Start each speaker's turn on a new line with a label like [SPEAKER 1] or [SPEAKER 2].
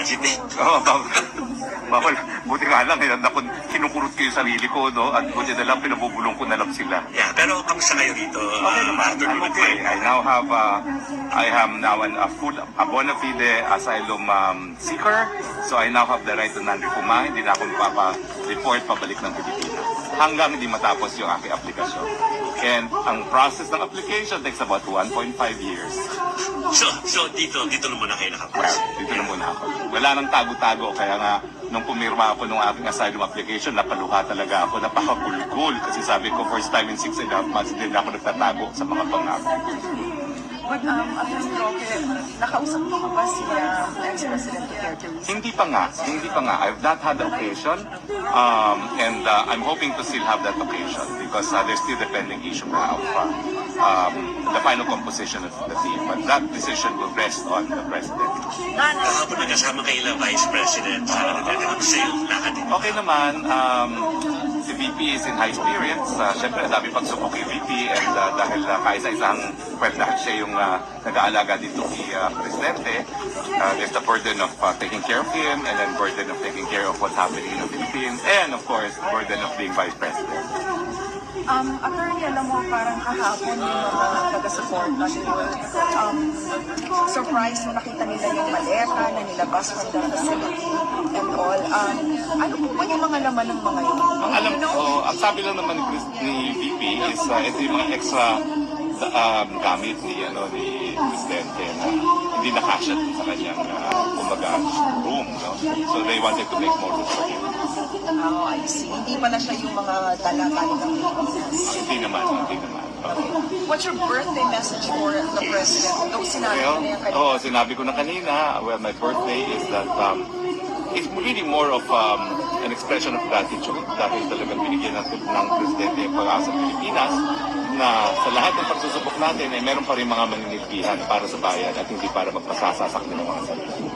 [SPEAKER 1] budget eh.
[SPEAKER 2] Oo, bawal. Buti nga lang, kinukurot ko yung sarili ko, no? At buti na lang, pinabubulong ko na lang sila.
[SPEAKER 1] Yeah, pero kamusta kayo dito?
[SPEAKER 2] Okay naman, I'm okay. I now have, I am now a bona fide asylum seeker. So I now have the right to non-refuma. Hindi na ako magpapa-report pabalik ng Pilipinas. Hanggang hindi matapos yung aking aplikasyon. And ang process ng application takes about 1.5 years.
[SPEAKER 1] So dito na muna kayo
[SPEAKER 2] Well,
[SPEAKER 1] nakapos.
[SPEAKER 2] dito na muna ako. Wala nang tago-tago, kaya nga, nung pumirma ako nung aking asylum application, napaluha talaga ako, napakagulgul. Kasi sabi ko, first time in 6.5 months, din ako nagtatago sa mga pangako.
[SPEAKER 3] But, Attorney Roque, nakausap mo ba si ex-President Duterte recently?
[SPEAKER 2] Hindi pa nga. I've not had the occasion, and I'm hoping to still have that occasion because there's still the pending issue now of the final composition of the team. But that decision will rest on the President.
[SPEAKER 1] Kahapon nagkasama kayo Vice President sa yung lakad.
[SPEAKER 2] Okay naman, si VP is in high spirits. Siyempre, dami pagsubok kay VP and dahil kaisa-isang dahil siya yung nag-aalaga dito kay Presidente, there's the burden of taking care of him and then burden of taking care of what's happening in the Philippines and of course, the burden of being Vice President.
[SPEAKER 3] Attorney, alam mo, parang kahapon yung mga taga-support na surprise nung nakita nila yung maleta na nilabas from the facility and all. Ano po ba yung mga laman ng mga yun?
[SPEAKER 2] Ang alam ko, ang sabi lang naman ni VP is ito yung mga extra gamit ni Presidente na hindi nakasya sa kanyang room. No? So they wanted to make more room for him.
[SPEAKER 3] Oh, I see. Hindi pala siya yung mga dala galing ng Pilipinas.
[SPEAKER 2] Hindi naman.
[SPEAKER 3] What's your birthday message for the President? Nung sinabi
[SPEAKER 2] Well,
[SPEAKER 3] niya kanina.
[SPEAKER 2] sinabi ko na kanina, well, my birthday is that it's really more of an expression of gratitude dahil talagang binigyan natin ng Presidente ang pag-asa ng Pilipinas na sa lahat ng pagsusubok natin ay meron pa rin mga maninilbihan para sa bayan at hindi para magpasasasak ng mga sarili.